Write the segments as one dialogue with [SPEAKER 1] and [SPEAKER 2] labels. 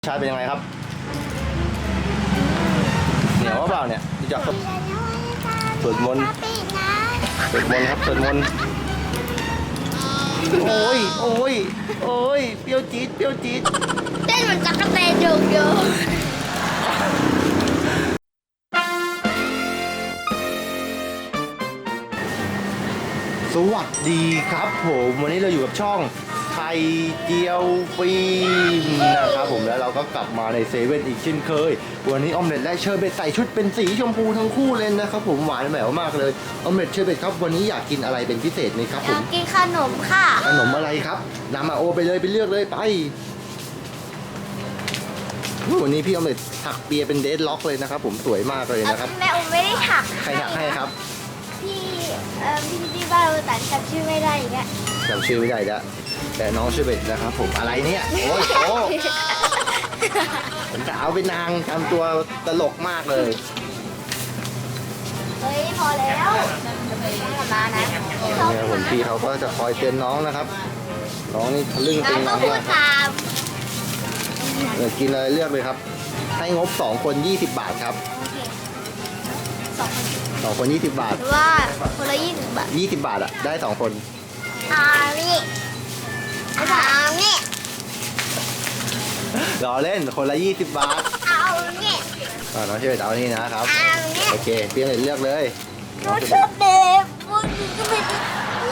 [SPEAKER 1] ชาติเป็นยังไงครับเหนียวเปล่าเนี่ยดูจากสวดมนต์สวดมนต์ครับสวดมนต์โอ้ยโอ้ยโอ้ยเปรี้ยวจี๊ดเปรี้ยวจี๊ด
[SPEAKER 2] เต้นเหมือนตั๊กแตนโยกโย
[SPEAKER 1] สวัสดีครับผมวันนี้เราอยู่กับช่องไข่เจียวฟิล์มนะครับผมแล้วเราก็กลับมาในเซเว่นอีกเช่นเคยวันนี้ออมเล็ตและเชอร์เบตใส่ชุดเป็นสีชมพูทั้งคู่เลยนะครับผมหวานแหววมากเลยออมเล็ตเชอร์เบตครับวันนี้อยากกินอะไรเป็นพิเศษไหมครับผม
[SPEAKER 2] อยากกินขนมค่ะ
[SPEAKER 1] ขนมอะไรครับนำมาโอไปเลยไปเลือกเลยไปวันนี้พี่ออมเล็ตถักเปียเป็นเดดล็อกเลยนะครับผมสวยมากเลยนะครับ
[SPEAKER 2] แม่อุ้มไม่ได้ถัก
[SPEAKER 1] ใครถักให้ครับ
[SPEAKER 2] พี่ที่บ้านเราแต่จำชื่อไม่ได้อย่างเงี้ย
[SPEAKER 1] จำชื่อไม่ได้แล้วแต่น้องชื่อเบ็ดนะครับผมอะไรเนี่ยโอ้ยโอ้ผมจะเอาเป็นนางทำตัวตลกมากเลย
[SPEAKER 2] เฮ้ยพอแล้วมานะ
[SPEAKER 1] เนี่ยผมพี่เขาก็จะคอยเตือนน้องนะครับน้องนี่ทะลึ่งตึงน้องมากกินอะไรเลือกเลยครับให้งบ2 คน20 บาทครับ2 คน20 บาท
[SPEAKER 2] หรือว่าคนละ20 บาท
[SPEAKER 1] 20 บาทอะได้2 คน
[SPEAKER 2] นี่
[SPEAKER 1] รอเล่นคนละ20 บาท
[SPEAKER 2] เอาเนี่ย
[SPEAKER 1] น้องชื่อเอานี่นะครับโอเคเพียงเลือกเลย
[SPEAKER 2] น้องชอบเด็กวันนี้ก็ไม่ได้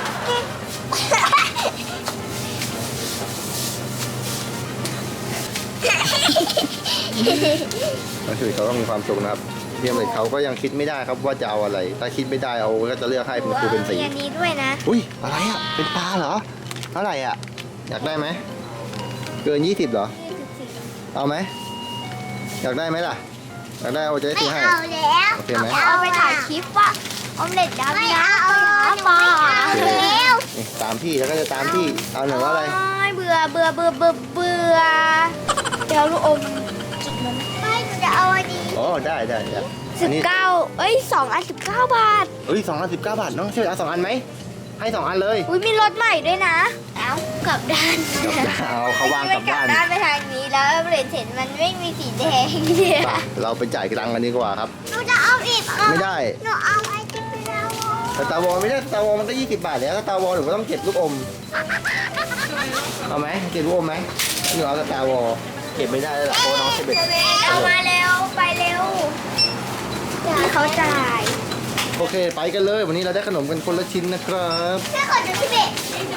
[SPEAKER 1] น้องชื่อเขาต้องมีความสุขนะครับเพียงเลยเขาก็ยังคิดไม่ได้ครับว่าจะเอาอะไรถ้าคิดไม่ได้เอาก็จะเลือกให้เป็นครูเป็นสี
[SPEAKER 2] อันนี้ด้วยนะ
[SPEAKER 1] อุ้ยอะไรอ่ะเป็นปลาเหรอเท่าไหร่อ่ะอยากได้ไหมเกิน20เหรอเอาไหมอยากได้ไหมล่ะอยากได้เอาจะได้ซื้อให้
[SPEAKER 2] เอาแล้ว
[SPEAKER 1] โอเคไหม
[SPEAKER 2] เอาไปถ่ายคลิปว่าออมเล็ตดำนะเอาหาปลาแล้ว
[SPEAKER 1] ตามพี่แล้วก็จะตามพี่เอาหนึ่งว่าอะไร
[SPEAKER 2] เบื่อเดี๋ยวลูกอมไม่จะเอาอันนี้
[SPEAKER 1] อ๋อได้
[SPEAKER 2] 192 อัน19 บาท
[SPEAKER 1] 2 อัน19 บาทน้องช่วยเอา2 อันไหมให้2 อันเลย
[SPEAKER 2] อุ้ยมีรถใหม่ด้วยนะเอากลับด้าน
[SPEAKER 1] เอาเขาวางกลับด้าน
[SPEAKER 2] ไปทางนี้แล้วเห็นมันไม่มีสีแดง
[SPEAKER 1] เราไปจ่ายตังค์กันดีกว่าครับ
[SPEAKER 2] หนูจะเอาอีก
[SPEAKER 1] ไม่ได้
[SPEAKER 2] หนูเอาไอติมไปแล้ว
[SPEAKER 1] สตาร์วอลไม่ได้สตาร์วอลมันก็20 บาทแล้วสตาร์วอลหนูก็ต้องเก็บลูกอมเอาไหมเก็บลูกอมไหมหนูเอาสตาร์วอลเก็บไม่ได้แล้วเพราะน้องเซเบต
[SPEAKER 2] เอามาเร็วไปเร็วเขาจ่าย
[SPEAKER 1] โอเคไปกันเลยวันนี้เราได้ขนมกันคนละชิ้นนะครับ
[SPEAKER 2] แค่ขอจะพี่เบะ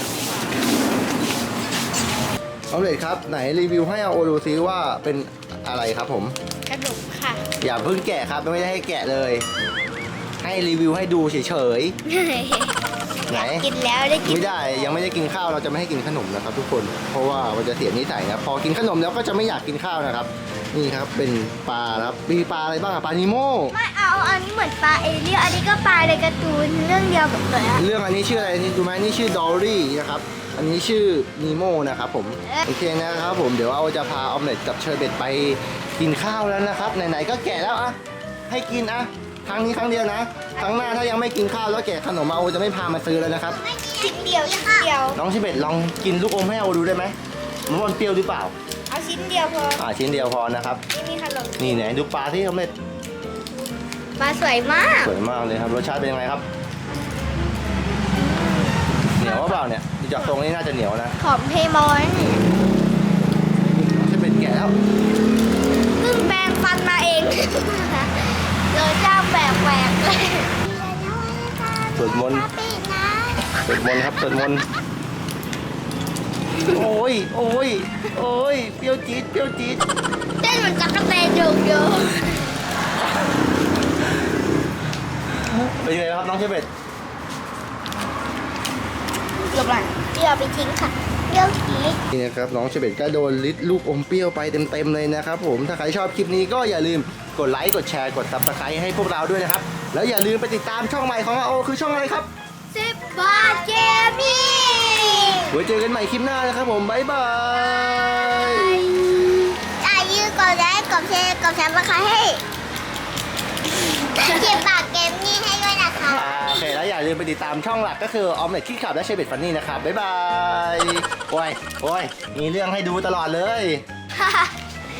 [SPEAKER 1] เอาเลยครับไหนรีวิวให้เอาโอดูซิว่าเป็นอะไรครับผม
[SPEAKER 2] ขนมค่ะ
[SPEAKER 1] อย่าเพิ่งแกะครับไม่ได้ให้แกะเลยให้รีวิวให้ดูเฉยๆไหน
[SPEAKER 2] กินแล้วได้กิน
[SPEAKER 1] ไม่ได้ยังไม่ได้กินข้าวเราจะไม่ให้กินขนมนะครับทุกคนเพราะว่ามันจะเสียนิสัยนะพอกินขนมแล้วก็จะไม่อยากกินข้าวนะครับนี่ครับเป็นปลาครับมีปลาอะไรบ้างปลานิโม่
[SPEAKER 2] ไม่เอาอันนี้เหมือนปลาเอเลี่ยนอันนี้ก็ปลาในการ์ตูนเรื่องเดียวกับเลย
[SPEAKER 1] เรื่องอันนี้ชื่ออะไรนี่ดูไหมนี่ชื่อดอลลี่นะครับอันนี้ชื่อนีโม่นะครับผมโอเคนะครับผมเดี๋ยวเอาจะพาออมเล็ตกับเชอร์เบตไปกินข้าวแล้วนะครับไหนๆก็แกะแล้วอะให้กินอะครั้งนี้ครั้งเดียวนะครั้งหน้าถ้ายังไม่กินข้าวแล้วแกะขนมเอาจะไม่พามาซื้อแล้วนะครับ
[SPEAKER 2] ชิ้นเดียว
[SPEAKER 1] น้องเชอร์เบตลองกินลูกอมให้เอาดูได้ไหมมันเปรี้ยวหรือเปล่า
[SPEAKER 2] เอาชิ้นเดียวพอ
[SPEAKER 1] ชิ้นเดียวพอนะครับ
[SPEAKER 2] นี่ขนม
[SPEAKER 1] นี่ไหนดูปลาที่ออมเล็ต
[SPEAKER 2] ปลาสวยมาก
[SPEAKER 1] เลยครับรสชาติเป็นยังไงครับเหนียวเปล่าเนี่ยดูจากตรงนี้น่าจะเหนียวนะ
[SPEAKER 2] หอมเพมอน
[SPEAKER 1] จะเป็นแก่แล้ว
[SPEAKER 2] เพิ่งแปรงฟันมาเองเราเจ้าแปลกเลย
[SPEAKER 1] สวดมนต์ครับสวดมนต์โอ้ยเปรี้ยวจี๊ด
[SPEAKER 2] เต้นเหมือนตั๊กแตนโยกโย
[SPEAKER 1] เป็นยังไงครับน้องเชฟเบต
[SPEAKER 2] เดี๋ยวไปทิ้งค่ะเดี๋ยวทิ้ง
[SPEAKER 1] นี่นะครับน้องเชเบตก็โดนลิดลูกอมเปรี้ยวไปเต็มเลยนะครับผมถ้าใครชอบคลิปนี้ก็อย่าลืมกดไลค์กดแชร์กดซับสไครต์ให้พวกเราด้วยนะครับแล้วอย่าลืมไปติดตามช่องใหม่ของเราคือช่องอะไรครับ
[SPEAKER 2] 10 บาทเกมมิ่ง
[SPEAKER 1] ไว้เจอกันใหม่คลิปหน้านะครับผมบ๊ายบาย
[SPEAKER 2] อย่าลืมกดไลค์กดแชร์กดซับสไครต์ให้10 บาทเกมมิ่งให้ด้วยนะคะ
[SPEAKER 1] โอเคแล้วอย่าลืมไปติดตามช่องหลักก็คือออมเล็ตขี้ขับและเชเบตฟันนี่นะครับบ๊ายบายโอ้ยมีเรื่องให้ดูตลอดเลย